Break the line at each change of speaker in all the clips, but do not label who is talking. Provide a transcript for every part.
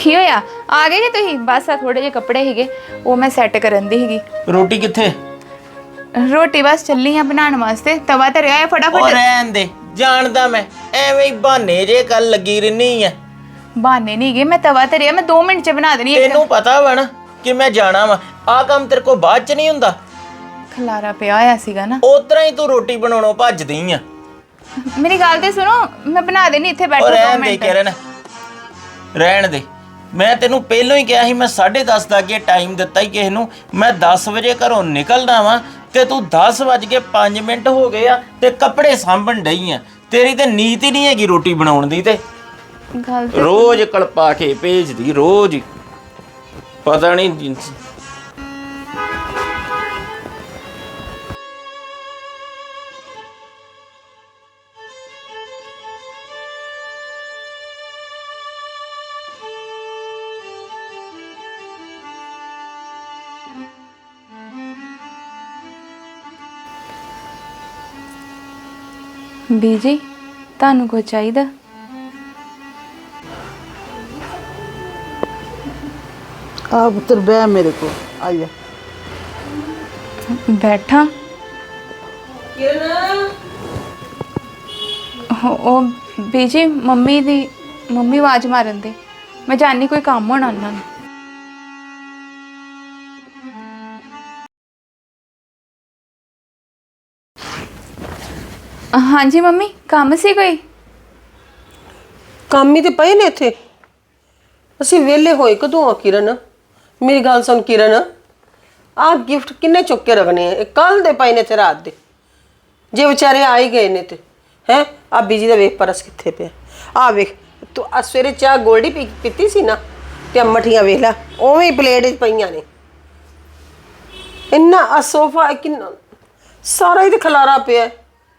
की होया आ गए जी तुसीं बस थोड़े जे कपड़े हीगे वो मैं सैट करन दी हीगी।
रोटी कित्थे?
रोटी बस चली आ बनाने वास्ते तवा धरिया है
और
फटाफट।
रहन दे जानदा मैं एवें ही बहाने जे कल लगी रहनी है।
बहाने नहीं गए मैं तवा धरिया मैं 2 मिनट च बना देनी
तेनू पता वा ना कि मैं जाना वा आ काम तेरे को बाद च नहीं हुंदा।
खलारा पिया होया सीगा ना।
उतरा ही तू रोटी बनाउणों भजदी आ।
मेरी गल ते सुनो मैं बना देनी इत्थे बैठो
और
2
रहन दे
मिनट।
किरण रहन दे मैं तेनू पहलों ही कहा मैं 10:30 दा अगे टाइम दिता ही किसी नू मैं 10 वजे घरों निकलना वा ते तू 10:05 हो गए आ ते कपड़े सांभण डई आ। तेरी ते नीत ही नहीं हैगी रोटी बनाउण दी ते
गल ते
रोज कलपा के भेजदी रोज ही पता नहीं।
बीजी तानू कुछ चाहिदा?
आ पुत्र बह मेरे को आ जा।
बैठा ओ बीजी मम्मी आवाज मारन दे मैं जानी कोई काम होना उन्हां नूं। हाँ जी मम्मी काम सी कोई?
काम ही तो पए ने इत्थे ਅਸੀਂ ਵਿਹਲੇ ਹੋਏ ਕਦੋਂ ਆ ਕਿਰਨ? ਮੇਰੀ ਗੱਲ ਸੁਣ ਕਿਰਨ ਆ ਗਿਫਟ ਕਿੰਨੇ ਚੁੱਕ ਕੇ ਰੱਖਣੇ ਆ? ਕੱਲ ਦੇ ਪਏ ਨੇ ਤੇ ਰਾਤ ਦੇ ਜੇ ਵਿਚਾਰੇ ਆ ਹੀ ਗਏ ਨੇ ਤੇ ਹੈ ਆ ਬੀਜੀ ਦਾ ਵੇਖ ਪਰਸ ਕਿੱਥੇ ਪਿਆ ਆ ਵੇਖ ਤੂੰ ਆ ਸਵੇਰੇ ਚਾਹ ਗੋਲਡੀ ਪੀਤੀ ਸੀ ਨਾ ਤੇ ਮਠੀਆਂ ਵੇਖ ਲੈ ਉਵੇਂ ਹੀ ਪਲੇਟ 'ਚ ਪਈਆਂ ਨੇ ਇੰਨਾ ਆ ਸੋਫਾ ਕਿੰਨਾ ਸਾਰਾ ਹੀ ਤੇ ਖਲਾਰਾ ਪਿਆ।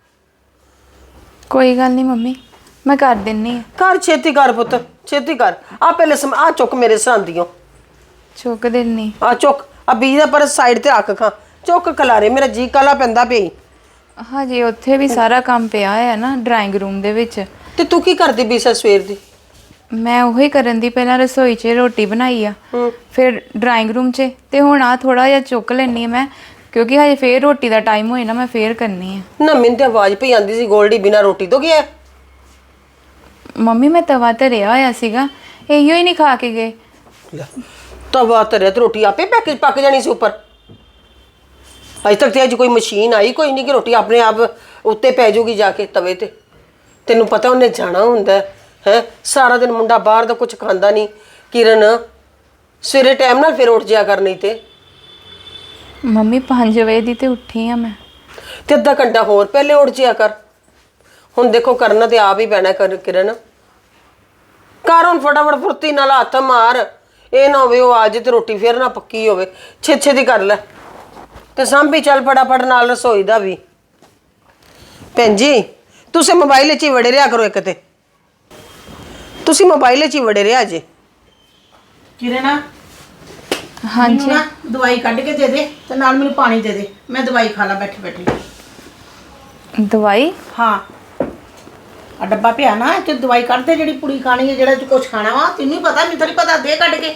कोई गल नहीं मम्मी मैं कर दिन्नी आ।
कर छेती कर पुत छेती कर आ पहले आ चुक मेरे सरांदियों
चुक दिन्नी।
आ चुक आ बीज दा पर साइड ते रख खां चुक खलारे मेरा जी काला पैंदा पई।
हाँ जी उत्थे भी सारा काम पिया है ना ड्राइंग रूम दे विच।
ते तू की करदी पई स सवेर दी?
मैं ਉਹੀ ਕਰਨ ਦੀ ਪਹਿਲਾਂ ਰਸੋਈ 'ਚ ਰੋਟੀ ਬਣਾਈ ਆ ਫਿਰ ਡਰਾਇੰਗ ਰੂਮ 'ਚ ਤੇ ਹੁਣ ਆ ਥੋੜਾ ਜਿਹਾ ਚੁੱਕ ਲੈਣੀ ਮੈਂ ਕਿਉਂਕਿ ਹਜੇ ਫੇਰ ਰੋਟੀ ਦਾ ਟਾਈਮ ਹੋਏ ਨਾ ਮੈਂ ਫੇਰ ਕਰਨੀ ਆ।
ਨਾ ਮੈਨੂੰ ਤੇ ਆਵਾਜ਼ ਪਈ ਆਂਦੀ ਸੀ ਗੋਲਡੀ ਬਿਨਾ ਰੋਟੀ ਤੋਂ ਗਿਆ।
ਮੰਮੀ ਮੈਂ ਤਵਾ ਧਰਿਆ ਹੋਇਆ ਸੀਗਾ ਇਹੋ ਹੀ ਨਹੀਂ ਖਾ ਕੇ ਗਏ।
ਤਵਾ ਧਰਿਆ ਤੇ ਰੋਟੀ ਆਪੇ ਪੱਕ ਜਾਣੀ ਸੀ ਉੱਪਰ। ਅਜੇ ਤੱਕ ਤੇ ਅੱਜ ਕੋਈ ਮਸ਼ੀਨ ਆਈ ਕੋਈ ਨਹੀਂ ਕਿ ਰੋਟੀ ਆਪਣੇ ਆਪ ਉੱਤੇ ਪੈ ਜਾਊਗੀ ਜਾ ਕੇ ਤਵੇ ਤੇ। ਤੈਨੂੰ ਪਤਾ ਉਹਨੇ ਜਾਣਾ ਹੁੰਦਾ ਹੈ ਸਾਰਾ ਦਿਨ ਮੁੰਡਾ ਬਾਹਰ ਦਾ ਕੁਝ ਖਾਂਦਾ ਨਹੀਂ। ਕਿਰਨ ਸਵੇਰੇ ਟਾਈਮ ਨਾਲ ਫਿਰ ਉੱਠ ਜਿਆ ਕਰ ਨਹੀਂ ਤੇ।
ਮੰਮੀ 5 ਵਜੇ ਦੀ ਤੇ ਉੱਠੀ ਆ ਮੈਂ
ਤੇ ਅੱਧਾ ਘੰਟਾ ਹੋਰ ਪਹਿਲੇ ਉੱਠ ਜਿਆ ਕਰ। ਹੁਣ ਦੇਖੋ ਕਰਨਾ ਤੇ ਆਪ ਹੀ ਪੈਣਾ ਕਰ ਕਿਰਨ ਕਰ ਹੁਣ ਫਟਾਫਟ ਫੁਰਤੀ ਨਾਲ ਹੱਥ ਮਾਰ ਇਹ ਨਾ ਹੋਵੇ ਉਹ ਅੱਜ ਤੇ ਰੋਟੀ ਫੇਰ ਨਾ ਪੱਕੀ ਹੋਵੇ। ਛੇ ਦੀ ਕਰ ਲੈ ਤੇ ਸਾਂਭੀ ਚੱਲ ਫਟਾਫਟ ਨਾਲ ਰਸੋਈ ਦਾ ਵੀ। ਭੈਣ ਜੀ ਤੁਸੀਂ ਮੋਬਾਈਲ 'ਚ ਹੀ ਵੜੇ ਰਿਹਾ ਕਰੋ ਇੱਕ ਤੇ ਤੁਸੀਂ ਮੋਬਾਈਲ 'ਚ ਹੀ ਵੜੇ ਰਿਹਾ ਜੇ।
ਕਿਰਨ
हाँ जी
ना दवाई कढ़ के दे दे ते नाल मैनू पानी दे दे मैं दवाई खा ला बैठी बैठी।
दवाई?
हाँ आ डब्बा पिया ना ते दवाई कढ़ दे जेड़ी पुड़ी खानी है जेड़ा तू कुछ खाना वा तैनू ही पता मैनू थोड़ी पता दे कढ़ के।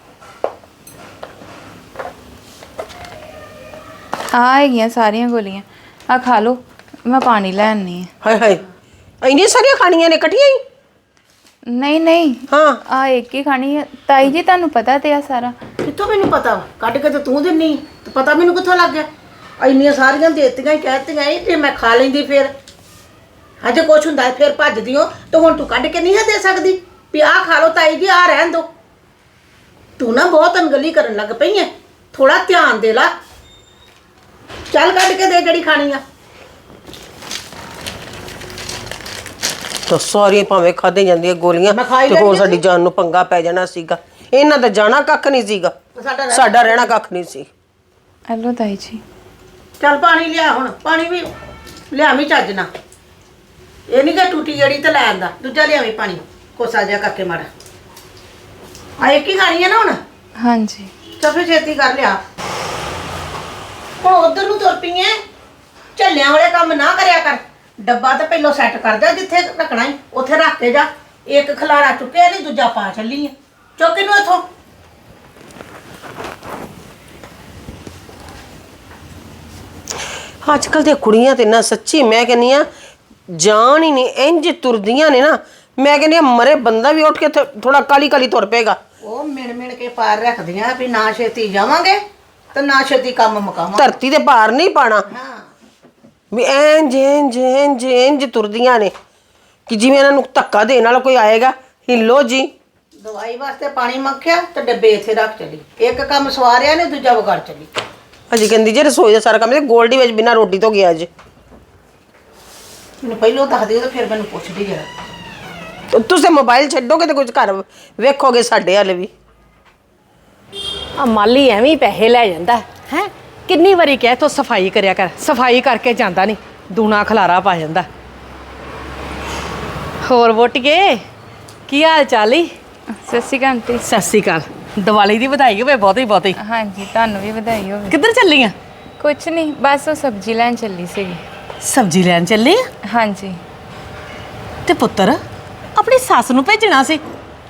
आ हैगियां सारियां गोलियां आ खा लो मैं पानी ले आनी है।
हाय हाय ਇੰਨੀਆਂ ਸਾਰੀਆਂ ਖਾਣੀਆਂ ਨੇ ਇਕੱਠੀਆਂ ਹੀ?
नहीं नहीं
हाँ
आ एक ही खानी है ताई जी तानू पता ते आ सारा।
कित्थों मैनू पता वा कढ़ के ते तू दिन्नी ते पता मैनू कित्थों लग गया ਇੰਨੀਆਂ ਸਾਰੀਆਂ ਦੇਤੀਆਂ ਹੀ ਕਹਿਤੀਆਂ ਹੀ ਤੇ ਮੈਂ ਖਾ ਲੈਂਦੀ ਫਿਰ ਅਜੇ ਕੁਛ ਹੁੰਦਾ ਫਿਰ ਭੱਜਦੀ ਹੋ ਤੇ ਹੁਣ ਤੂੰ ਕੱਢ ਕੇ ਨਹੀਂ ਹੈ ਦੇ ਸਕਦੀ ਵੀ ਆਹ ਖਾ ਲਓ ਤਾਈ ਜੀ ਆ ਰਹਿਣ ਦੋ। ਤੂੰ ਨਾ ਬਹੁਤ ਅਣਗਲੀ ਕਰਨ ਲੱਗ ਪਈ ਹੈ ਥੋੜਾ ਧਿਆਨ ਦੇ ਲਾ ਚੱਲ ਕੱਢ ਕੇ ਦੇ ਜਿਹੜੀ ਖਾਣੀ ਆ।
ਤਾਂ ਸਾਰੀਆਂ ਭਾਵੇਂ ਖਾਦੇ ਜਾਂਦੀਆਂ ਗੋਲੀਆਂ ਤੇ ਹੋਰ ਸਾਡੀ ਜਾਨ ਨੂੰ ਪੰਗਾ ਪੈ ਜਾਣਾ ਸੀਗਾ। ਇਹਨਾਂ ਦਾ ਜਾਣਾ ਕੱਖ ਨਹੀਂ ਸੀਗਾ ਸਾਡਾ ਰਹਿਣਾ ਕੱਖ ਨਹੀਂ ਸੀ।
हेलो ताई जी
ਚੱਲ ਪਾਣੀ ਲਿਆ ਹੁਣ ਪਾਣੀ ਵੀ ਲਿਆਵੀਂ ਚੱਜ ਨਾ ਇਹ ਨਹੀਂ ਕਿ ਟੂਟੀ ਜਿਹੜੀ ਤੇ ਲੈ ਆਂਦਾ ਦੂਜਾ ਲਿਆਵੀਂ ਪਾਣੀ ਕੋਸਾ ਜਿਹਾ ਕਰਕੇ ਮਾੜਾ ਆ ਇੱਕ ਹੀ ਖਾਣੀ ਹੈ ਨਾ ਹੁਣ।
हाँ जी
ਚੱਲ ਫਿਰ ਛੇਤੀ ਕਰ ਲਿਆ ਹੁਣ ਉਧਰ ਨੂੰ ਤੁਰ ਪਈ ਐ ਝੱਲਿਆਂ ਵਾਲੇ ਕੰਮ ਨਾ ਕਰਿਆ ਕਰ। ਡੱਬਾ ਤਾਂ ਪਹਿਲਾਂ ਸੈੱਟ ਕਰ ਦੇ ਜਿੱਥੇ ਰੱਖਣਾ ਹੈ ਉੱਥੇ ਰੱਖ ਕੇ ਜਾ। ਇੱਕ ਖਲਾਰਾ ਚੁੱਕਿਆ ਨਹੀਂ ਦੂਜਾ ਪਾ ਚੱਲੀ ਐ ਚੁੱਕ ਇਹਨੂੰ ਇੱਥੋਂ।
ਅੱਜ ਕੱਲ ਦੀਆਂ ਕੁੜੀਆਂ ਤੇ ਨਾ ਸੱਚੀ ਮੈਂ ਕਹਿੰਨੀ ਆ ਜਾਨ ਹੀ ਨਹੀਂ, ਇੰਜ ਤੁਰਦੀਆਂ ਨੇ ਨਾ, ਮੈਂ ਕਹਿੰਨੀ ਆ ਮਰੇ ਬੰਦਾ ਵੀ ਉੱਠ ਕੇ ਥੋੜਾ ਕਾਲੀ ਕਾਲੀ ਤੁਰ ਪਏਗਾ।
ਉਹ ਮਿਣ ਕੇ ਪਾਰ ਰੱਖਦੀਆਂ ਵੀ ਨਾ ਛੇਤੀ ਜਾਵਾਂਗੇ ਤੇ ਨਾ ਛੇਤੀ ਕੰਮ ਮੁਕਾਵਾਂਗੇ।
ਧਰਤੀ ਦੇ ਭਾਰ ਨਹੀਂ ਪਾਣਾ
ਹਾਂ,
ਵੀ ਇੰਜ ਇੰਜ ਇੰਜ ਇੰਜ ਤੁਰਦੀਆਂ ਨੇ ਕਿ ਜਿਵੇਂ ਇਹਨਾਂ ਨੂੰ ਧੱਕਾ ਦੇਣ ਵਾਲਾ ਕੋਈ ਆਏਗਾ, ਹਿੱਲੋ ਜੀ।
ਦਵਾਈ ਵਾਸਤੇ ਪਾਣੀ ਮੰਗਿਆ ਤੇ ਡੱਬੇ ਇੱਥੇ ਰੱਖ ਚਲੀ। ਇੱਕ ਕੰਮ ਸਵਾਰਿਆ ਨੇ, ਦੂਜਾ ਵਿਗੜ ਚਲੀ।
ਅਜੀ ਕਹਿੰਦੀ ਜੇ ਰਸੋਈ ਦਾ ਸਾਰਾ ਕੰਮ ਤੇ ਗੋਲਡੀ ਵਿੱਚ ਬਿਨਾਂ ਰੋਟੀ ਤੋਂ ਗਿਆ ਅੱਜ।
ਮੈਨੂੰ ਪਹਿਲਾਂ ਦੱਸ ਦਿਓ ਤੇ ਫਿਰ ਮੈਨੂੰ ਪੁੱਛਦੀ ਜਰਾ।
ਤੁਸੀਂ ਮੋਬਾਈਲ ਛੱਡੋਗੇ ਤੇ ਕੁਝ ਘਰ ਵੇਖੋਗੇ ਸਾਡੇ ਹਾਲੇ ਵੀ।
ਆ ਮਾਲੀ ਐਵੇਂ ਹੀ ਪੈਸੇ ਲੈ ਜਾਂਦਾ ਹੈ। ਕਿੰਨੀ ਵਾਰੀ ਕਹਿ ਤੋ ਸਫਾਈ ਕਰਿਆ ਕਰ, ਸਫਾਈ ਕਰਕੇ ਜਾਂਦਾ ਨਹੀਂ, ਦੂਣਾ ਖਲਾਰਾ ਪਾ ਜਾਂਦਾ। ਹੋਰ ਵੋਟੀਏ, ਕੀ ਹਾਲ ਚਾਲ ਈ?
ਸਤਿ ਸ਼੍ਰੀ ਅਕਾਲ ਆਂਟੀ।
ਸਤਿ ਸ਼੍ਰੀ ਅਕਾਲ। ਦੀਵਾਲੀ ਦੀ ਵਧਾਈ ਹੋਵੇ ਬਹੁਤੀ ਬਹੁਤੀ।
ਹਾਂਜੀ, ਤੁਹਾਨੂੰ ਵੀ ਵਧਾਈ ਹੋਵੇ।
ਕਿੱਧਰ ਚੱਲੀ ਆ?
ਕੁਛ ਨਹੀਂ, ਬਸ ਉਹ ਸਬਜ਼ੀ ਲੈਣ ਚੱਲੀ ਸੀਗੀ।
ਸਬਜ਼ੀ ਲੈਣ ਚੱਲੀ ਆ?
ਹਾਂਜੀ।
ਤੇ ਪੁੱਤਰ ਆਪਣੀ ਸੱਸ ਨੂੰ ਭੇਜਣਾ ਸੀ।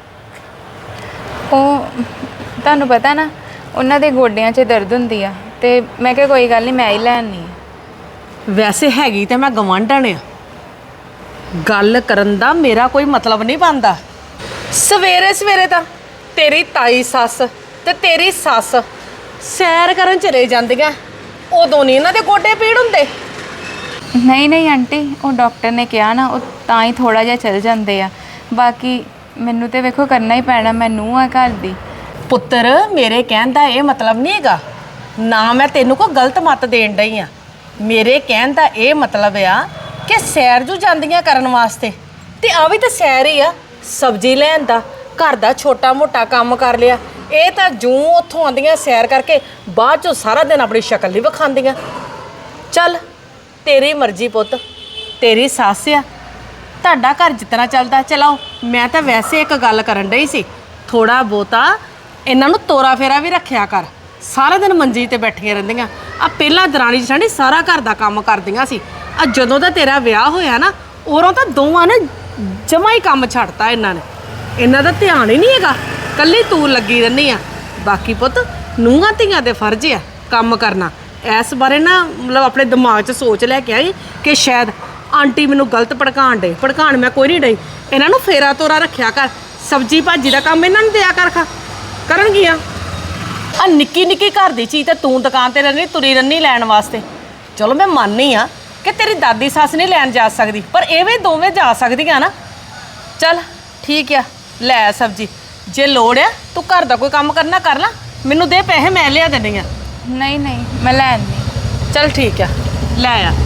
ਉਹ ਤੁਹਾਨੂੰ ਪਤਾ ਨਾ, ਉਹਨਾਂ ਦੇ ਗੋਡਿਆਂ 'ਚ ਦਰਦ ਹੁੰਦੀ ਆ, ਤੇ ਮੈਂ ਕਿਹਾ ਕੋਈ ਗੱਲ ਨਹੀਂ, ਮੈਂ ਹੀ ਲੈਣੀ।
ਵੈਸੇ ਹੈਗੀ ਤੇ ਮੈਂ ਗਵਾਂਢਣ ਆ, ਗੱਲ ਕਰਨ ਦਾ ਮੇਰਾ ਕੋਈ ਮਤਲਬ ਨਹੀਂ ਬਣਦਾ। ਸਵੇਰੇ ਸਵੇਰੇ ਤਾਂ ਤੇਰੀ ਤਾਈ ਸੱਸ ਤੇ ਤੇਰੀ ਸੱਸ ਸੈਰ ਕਰਨ ਚਲੇ ਜਾਂਦੀਆਂ, ਉਦੋਂ ਨਹੀਂ ਇਹਨਾਂ ਦੇ ਗੋਡੇ ਪੀੜ ਹੁੰਦੇ।
ਨਹੀਂ ਨਹੀਂ ਆਂਟੀ, ਉਹ ਡਾਕਟਰ ਨੇ ਕਿਹਾ ਨਾ, ਉਹ ਤਾਂ ਹੀ ਥੋੜਾ ਜਿਹਾ ਚੱਲ ਜਾਂਦੇ ਆ। ਬਾਕੀ ਮੈਨੂੰ ਤੇ ਵੇਖੋ ਕਰਨਾ ਹੀ ਪੈਣਾ, ਮੈਂ ਨੂੰਹ ਆ ਘਰ ਦੀ।
ਪੁੱਤਰ ਮੇਰੇ ਕਹਿਣ ਦਾ ਇਹ ਮਤਲਬ ਨਹੀਂ ਹੈਗਾ, ਨਾ ਮੈਂ ਤੈਨੂੰ ਕੋਈ ਗਲਤ ਮੱਤ ਦੇਣ ਡਈ ਆ। ਮੇਰੇ ਕਹਿਣ ਦਾ ਇਹ ਮਤਲਬ ਆ ਕਿ ਸੈਰ ਜੂ ਜਾਂਦੀਆਂ ਕਰਨ ਵਾਸਤੇ, ਤੇ ਆ ਵੀ ਤਾਂ ਸੈਰ ਹੀ ਆ। ਸਬਜ਼ੀ ਲੈਣ ਦਾ, ਘਰ ਦਾ ਛੋਟਾ ਮੋਟਾ ਕੰਮ ਕਰ ਲਿਆ। ਇਹ ਤਾਂ ਜੂੰ ਉੱਥੋਂ ਆਉਂਦੀਆਂ ਸੈਰ ਕਰਕੇ, ਬਾਅਦ ਚੋਂ ਸਾਰਾ ਦਿਨ ਆਪਣੀ ਸ਼ਕਲ ਨਹੀਂ ਵਿਖਾਉਂਦੀਆਂ। ਚੱਲ ਤੇਰੀ ਮਰਜ਼ੀ ਪੁੱਤ, ਤੇਰੀ ਸੱਸ ਆ, ਤੁਹਾਡਾ ਘਰ ਜਿਤਨਾ ਚੱਲਦਾ ਚਲਾਓ। ਮੈਂ ਤਾਂ ਵੈਸੇ ਇੱਕ ਗੱਲ ਕਰਨ ਡਈ ਸੀ, ਥੋੜਾ ਬਹੁਤਾ ਇਹਨਾਂ ਨੂੰ ਤੋਰਾ ਫੇਰਾ ਵੀ ਰੱਖਿਆ ਕਰ। ਸਾਰਾ ਦਿਨ ਮੰਜੀ ਤੇ ਬੈਠੀਆਂ ਰਹਿੰਦੀਆਂ। ਆ ਪਹਿਲਾਂ ਦਰਾਣੀ ਜਠਾਣੀ ਸਾਰਾ ਘਰ ਦਾ ਕੰਮ ਕਰਦੀਆਂ ਸੀ। ਆ ਜਦੋਂ ਦਾ ਤੇਰਾ ਵਿਆਹ ਹੋਇਆ ਨਾ, ਉਦੋਂ ਤਾਂ ਦੋਵਾਂ ਨੇ ਜਮਾ ਹੀ ਕੰਮ ਛੱਡਤਾ। ਇਹਨਾਂ ਨੇ, ਇਹਨਾਂ ਦਾ ਧਿਆਨ ਹੀ ਨਹੀਂ ਹੈਗਾ, ਕੱਲੀ ਤੂੰ ਲੱਗੀ ਰਹਿੰਦੀ ਆ। ਬਾਕੀ ਪੁੱਤ ਨੂੰਹਾਂ ਧੀਆਂ ਦੇ ਫਰਜ਼ ਆ ਕੰਮ ਕਰਨਾ। ਇਸ ਬਾਰੇ ਨਾ ਮਤਲਬ ਆਪਣੇ ਦਿਮਾਗ 'ਚ ਸੋਚ ਲੈ ਕੇ ਆਈ ਕਿ ਸ਼ਾਇਦ ਆਂਟੀ ਮੈਨੂੰ ਗਲਤ ਭੜਕਾਣ ਮੈਂ ਕੋਈ ਨਹੀਂ ਡਈ। ਇਹਨਾਂ ਨੂੰ ਫੇਰਾ ਤੋਰਾ ਰੱਖਿਆ ਕਰ, ਸਬਜੀ ਭਾਜੀ ਦਾ ਕੰਮ ਇਹਨਾਂ ਨੂੰ ਦਿਆ ਕਰ, ਕਰਨਗੀਆਂ। ਆ ਨਿੱਕੀ ਨਿੱਕੀ ਘਰ ਦੀ ਚੀਜ਼ ਤੇ ਤੂੰ ਦੁਕਾਨ ਤੇ ਰਹਿੰਦੀ, ਤੁਰੀ ਰਹਿੰਦੀ ਲੈਣ ਵਾਸਤੇ। ਚਲੋ ਮੈਂ ਮੰਨਨੀ ਆ ਕਿ ਤੇਰੀ ਦਾਦੀ ਸੱਸ ਨਹੀਂ ਲੈਣ ਜਾ ਸਕਦੀ, ਪਰ ਇਹ ਵੀ ਦੋਵੇਂ ਜਾ ਸਕਦੀਆਂ ਨਾ। ਚੱਲ ਠੀਕ ਆ, ਲੈ ਆ ਸਬਜੀ। ਜੇ ਲੋੜ ਆ ਤੂੰ ਘਰ ਦਾ ਕੋਈ ਕੰਮ ਕਰਨਾ ਕਰ ਲਾ, ਮੈਨੂੰ ਦੇ ਪੈਸੇ, ਮੈਂ ਲਿਆ ਦੇਣੀ ਆ।
ਨਹੀਂ ਨਹੀਂ, ਮੈਂ ਲੈ ਆਉਂਦੀ।
ਚੱਲ ਠੀਕ ਆ, ਲੈ ਆ।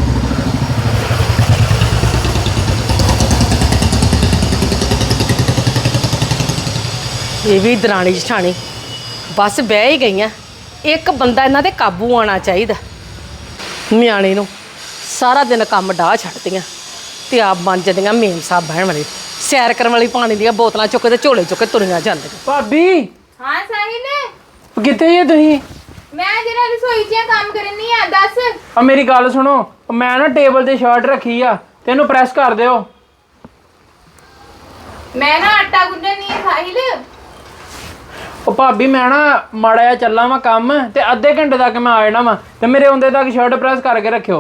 ਇਹ ਵੀ ਦਰਾਣੀ ਜਠਾਣੀ ਬਸ ਬਹਿ ਹੀ ਗਈਆਂ। ਇੱਕ ਬੰਦਾ ਇਹਨਾਂ ਦੇ ਕਾਬੂ ਆਉਣਾ ਚਾਹੀਦਾ। ਨਿਆਣੇ ਨੂੰ ਸਾਰਾ ਦਿਨ ਕੰਮ ਡਾਹ ਛੱਡਦੀਆਂ ਤੇ ਆਪ ਬਣ ਜਾਂਦੀਆਂ ਮੇਮ ਸਾਹਿਬ ਬਹਿਣ ਵਾਲੀ, ਸੈਰ ਕਰਨ ਵਾਲੀ, ਪਾਣੀ ਦੀਆਂ ਬੋਤਲਾਂ ਚੁੱਕ ਕੇ ਝੋਲੇ ਚੁੱਕ ਕੇ ਤੁਰੀਆਂ ਜਾਂਦੀਆਂ।
ਭਾਬੀ
ਹਾਂ ਸਾਹਿਲ,
ਕਿੱਥੇ ਜੇ ਤੁਸੀਂ?
ਮੈਂ ਜਿਹੜਾ ਰਸੋਈ 'ਚ ਕੰਮ ਕਰਨੀ ਆ, ਦੱਸ।
ਆ ਮੇਰੀ ਗੱਲ ਸੁਣੋ, ਮੈਂ ਨਾ ਟੇਬਲ ਤੇ ਸ਼ਰਟ ਰੱਖੀ ਆ, ਤੈਨੂੰ ਪ੍ਰੈਸ ਕਰ ਦਿਓ।
ਮੈਂ ਨਾ ਆਟਾ ਗੁੰਨਣੀ ਹੈ ਸਾਹਿਲ।
ਉਹ ਭਾਬੀ ਮੈਂ ਨਾ ਮਾੜਾ ਜਿਹਾ ਚੱਲਾਂ ਵਾਂ ਕੰਮ, ਤੇ ਅੱਧੇ ਘੰਟੇ ਤੱਕ ਮੈਂ ਆ ਜਾਣਾ ਵਾਂ, ਤੇ ਮੇਰੇ ਆਉਂਦੇ ਤੱਕ ਸ਼ਰਟ ਪ੍ਰੈਸ ਕਰਕੇ ਰੱਖਿਓ।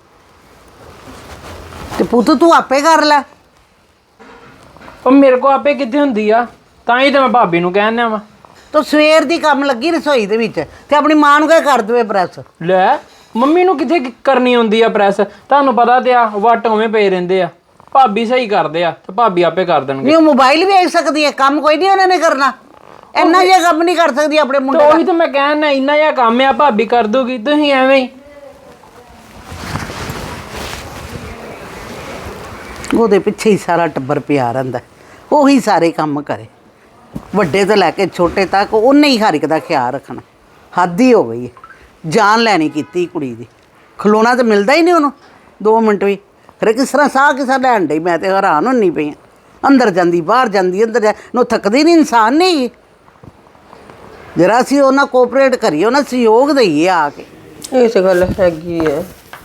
ਤੇ ਪੁੱਤ ਤੂੰ ਆਪੇ ਕਰ ਲੈ।
ਉਹ ਮੇਰੇ ਕੋ ਆਪੇ ਕਿੱਥੇ ਹੁੰਦੀ ਆ, ਤਾਂ ਹੀ ਤਾਂ ਮੈਂ ਭਾਬੀ ਨੂੰ ਕਹਿਣਾ ਵਾਂ।
ਤੂੰ ਸਵੇਰ ਦੀ ਕੰਮ ਲੱਗੀ ਰਸੋਈ ਦੇ ਵਿੱਚ, ਤੇ ਆਪਣੀ ਮਾਂ ਨੂੰ ਕਹਿ ਕਰ ਦੇਵੇ ਪ੍ਰੈਸ।
ਲੈ ਮੰਮੀ ਨੂੰ ਕਿੱਥੇ ਕਰਨੀ ਹੁੰਦੀ ਆ ਪ੍ਰੈਸ, ਤੁਹਾਨੂੰ ਪਤਾ ਤੇ ਆ, ਵੱਟ ਉਵੇਂ ਪਏ ਰਹਿੰਦੇ ਆ। ਭਾਬੀ ਸਹੀ ਕਰਦੇ ਆ, ਤੇ ਭਾਬੀ ਆਪੇ ਕਰ ਦੇਣਗੇ।
ਨਹੀਂ ਉਹ ਮੋਬਾਈਲ ਵੇਖ ਸਕਦੀ ਹੈ, ਕੰਮ ਕੋਈ ਨਹੀਂ ਉਹਨਾਂ ਨੇ ਕਰਨਾ। ਇੰਨਾ ਜਿਹਾ ਕੰਮ ਨਹੀਂ ਕਰ ਸਕਦੀ ਆਪਣੇ ਮੁੰਡੇ
ਤੇ
ਦਾ।
ਉਹੀ ਤਾਂ ਮੈਂ ਕਹਿਣਾ, ਇੰਨਾ ਜਿਹਾ ਕੰਮ ਆ, ਭਾਬੀ ਕਰ ਦੂਗੀ, ਤੁਸੀਂ ਐਵੇਂ ਹੀ।
ਉਹਦੇ ਪਿੱਛੇ ਹੀ ਸਾਰਾ ਟੱਬਰ ਪਿਆ ਰਹਿੰਦਾ, ਉਹੀ ਸਾਰੇ ਕੰਮ ਕਰੇ, ਵੱਡੇ ਤੋਂ ਲੈ ਕੇ ਛੋਟੇ ਤੱਕ ਉਹਨੇ ਹੀ ਹਰ ਇੱਕ ਦਾ ਖਿਆਲ ਰੱਖਣਾ। ਹੱਦ ਹੀ ਹੋ ਗਈ ਹੈ, ਜਾਨ ਲੈਣੀ ਕੀਤੀ ਕੁੜੀ ਦੀ। ਖਲੋਣਾ ਤਾਂ ਮਿਲਦਾ ਹੀ ਨਹੀਂ ਉਹਨੂੰ 2 ਮਿੰਟ ਵੀ। ਫਿਰ ਕਿਸ ਤਰ੍ਹਾਂ ਸਾਹ ਕਿਸਾ ਲੈਣ ਡਈ, ਮੈਂ ਤੇ ਹੈਰਾਨ ਹੁੰਨੀ ਪਈ ਹਾਂ। ਅੰਦਰ ਜਾਂਦੀ ਬਾਹਰ ਜਾਂਦੀ, ਅੰਦਰ ਨੂੰ ਥੱਕਦੀ ਨਹੀਂ, ਇਨਸਾਨ ਨਹੀਂ। ਜਰਾ ਅਸੀਂ ਉਹਨਾਂ ਕੋਆਪਰੇਟ ਕਰੀਏ, ਉਹਨਾਂ ਸਹਿਯੋਗ ਦਈਏ ਆ ਕੇ।
ਇਹ ਤੇ ਗੱਲ ਹੈਗੀ ਹੈ,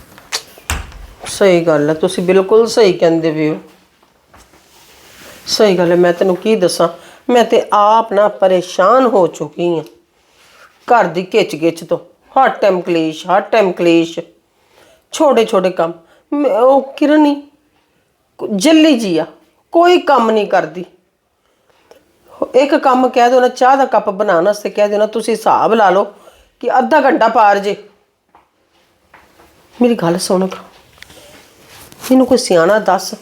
ਸਹੀ ਗੱਲ ਹੈ, ਤੁਸੀਂ ਬਿਲਕੁਲ ਸਹੀ ਕਹਿੰਦੇ ਵੀ ਹੋ। ਸਹੀ ਗੱਲ ਹੈ, ਮੈਂ ਤੈਨੂੰ ਕੀ ਦੱਸਾਂ, ਮੈਂ ਤੇ ਆਪ ਨਾ ਪਰੇਸ਼ਾਨ ਹੋ ਚੁੱਕੀ ਹਾਂ ਘਰ ਦੀ ਖਿੱਚ ਤੋਂ। ਹਰ ਟਾਈਮ ਕਲੇਸ਼, ਛੋਟੇ ਛੋਟੇ ਕੰਮ। ਉਹ ਕਿਰਨ ਹੀ ਜੱਲੀ ਜੀ ਆ, ਕੋਈ ਕੰਮ ਨਹੀਂ ਕਰਦੀ। ਇੱਕ ਕੰਮ ਕਹਿ ਦਿਓ ਨਾ, ਚਾਹ ਦਾ ਕੱਪ ਬਣਾਉਣ ਵਾਸਤੇ ਕਹਿ ਦਿਓ ਨਾ, ਤੁਸੀਂ ਹਿਸਾਬ ਲਾ ਲਓ ਕਿ ਅੱਧਾ ਘੰਟਾ ਪਾਰ ਜੇ। ਮੇਰੀ ਗੱਲ ਸੁਣ, ਮੈਨੂੰ ਕੋਈ ਸਿਆਣਾ ਦੱਸ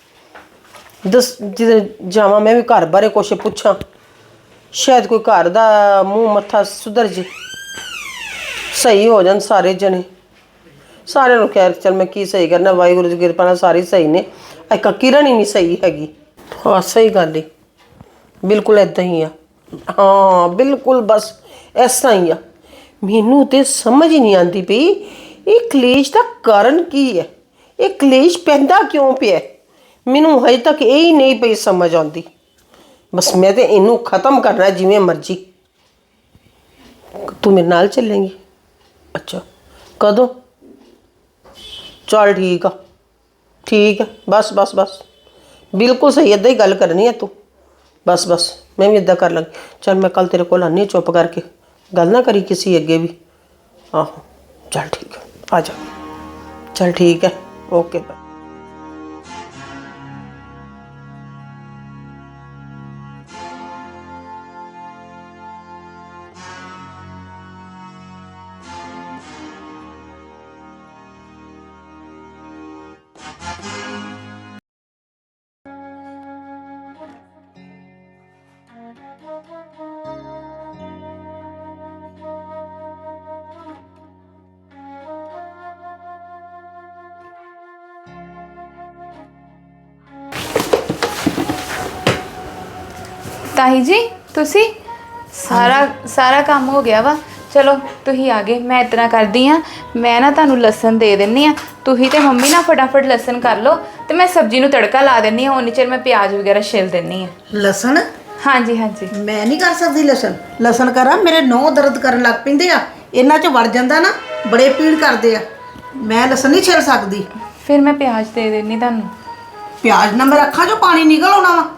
ਜਿਹਦੇ ਜਾਵਾਂ ਮੈਂ ਵੀ ਘਰ ਬਾਰੇ ਕੁਛ ਪੁੱਛਾਂ, ਸ਼ਾਇਦ ਕੋਈ ਘਰ ਦਾ ਮੂੰਹ ਮੱਥਾ ਸੁਧਰ ਜੇ, ਸਹੀ ਹੋ ਜਾਣ ਸਾਰੇ ਜਣੇ। ਸਾਰਿਆਂ ਨੂੰ ਕਹਿ ਚੱਲ ਮੈਂ ਕੀ ਸਹੀ ਕਰਨਾ, ਵਾਹਿਗੁਰੂ ਦੀ ਕਿਰਪਾ ਨਾਲ ਸਾਰੇ ਸਹੀ ਨੇ, ਇੱਕ ਕਿਰਨ ਹੀ ਨਹੀਂ ਸਹੀ ਹੈਗੀ। ਹਾਂ ਸਹੀ ਗੱਲ ਏ, ਬਿਲਕੁਲ ਇੱਦਾਂ ਹੀ ਆ। ਹਾਂ ਬਿਲਕੁਲ ਬਸ ਇਸ ਤਰ੍ਹਾਂ ਹੀ ਆ। ਮੈਨੂੰ ਤੇ ਸਮਝ ਹੀ ਨਹੀਂ ਆਉਂਦੀ ਪਈ ਇਹ ਕਲੇਸ਼ ਦਾ ਕਾਰਨ ਕੀ ਹੈ, ਇਹ ਕਲੇਸ਼ ਪੈਂਦਾ ਕਿਉਂ ਪਿਆ। ਮੈਨੂੰ ਹਜੇ ਤੱਕ ਇਹ ਹੀ ਨਹੀਂ ਪਈ ਸਮਝ ਆਉਂਦੀ। ਬਸ ਮੈਂ ਤੇ ਇਹਨੂੰ ਖਤਮ ਕਰਨਾ ਜਿਵੇਂ ਮਰਜ਼ੀ। ਤੂੰ ਮੇਰੇ ਨਾਲ ਚੱਲੇਂਗੀ? ਅੱਛਾ ਕਦੋਂ? ਚੱਲ ਠੀਕ ਆ, ਠੀਕ ਹੈ। ਬਸ ਬਿਲਕੁਲ ਸਹੀ, ਇੱਦਾਂ ਹੀ ਗੱਲ ਕਰਨੀ ਹੈ ਤੂੰ। ਬਸ ਮੈਂ ਵੀ ਇੱਦਾਂ ਕਰ ਲਾਂਗੀ। ਚੱਲ ਮੈਂ ਕੱਲ ਤੇਰੇ ਕੋਲ ਆਉਂਦੀ, ਚੁੱਪ ਕਰਕੇ ਗੱਲ ਨਾ ਕਰੀ ਕਿਸੇ ਅੱਗੇ ਵੀ। ਆਹੋ ਚੱਲ ਠੀਕ ਹੈ, ਆ ਜਾ। ਚੱਲ ਠੀਕ ਹੈ, ਓਕੇ ਬਾਏ।
ਤਾਈ ਜੀ ਤੁਸੀਂ ਸਾਰਾ ਕੰਮ ਹੋ ਗਿਆ ਵਾ। ਚਲੋ ਤੁਸੀਂ ਆ ਗਏ, ਮੈਂ ਇਤਨਾ ਕਰਦੀ ਆ, ਮੈਂ ਨਾ ਤੁਹਾਨੂੰ ਲਸਣ ਦੇ ਦਿੰਨੀ ਆ, ਤੁਸੀਂ ਤੇ ਮੰਮੀ ਨਾ ਫਟਾਫਟ ਲਸਣ ਕਰ ਲਓ ਤੇ ਮੈਂ ਸਬਜ਼ੀ ਨੂੰ ਤੜਕਾ ਲਾ ਦਿੰਨੀ ਆ। ਉਨੀ ਚਿਰ ਮੈਂ ਪਿਆਜ਼ ਵਗੈਰਾ ਛਿਲ ਦਿੰਨੀ ਆ।
ਲਸਣ?
ਹਾਂਜੀ
ਮੈਂ ਨਹੀਂ ਕਰ ਸਕਦੀ ਲਸਣ ਕਰਾਂ, ਮੇਰੇ ਨਹੁੰ ਦਰਦ ਕਰਨ ਲੱਗ ਪੈਂਦੇ ਆ, ਇਹਨਾਂ 'ਚ ਵੜ ਜਾਂਦਾ ਨਾ, ਬੜੇ ਪੀੜ ਕਰਦੇ ਆ। ਮੈਂ ਲਸਣ ਨਹੀਂ ਛਿਲ ਸਕਦੀ।
ਫਿਰ ਮੈਂ ਪਿਆਜ਼ ਦੇ ਦਿੰਨੀ ਤੁਹਾਨੂੰ।
ਪਿਆਜ਼ ਨਾਲ ਮੇਰੇ ਅੱਖਾਂ 'ਚੋਂ ਪਾਣੀ ਨਿਕਲ ਆਉਣਾ ਵਾ।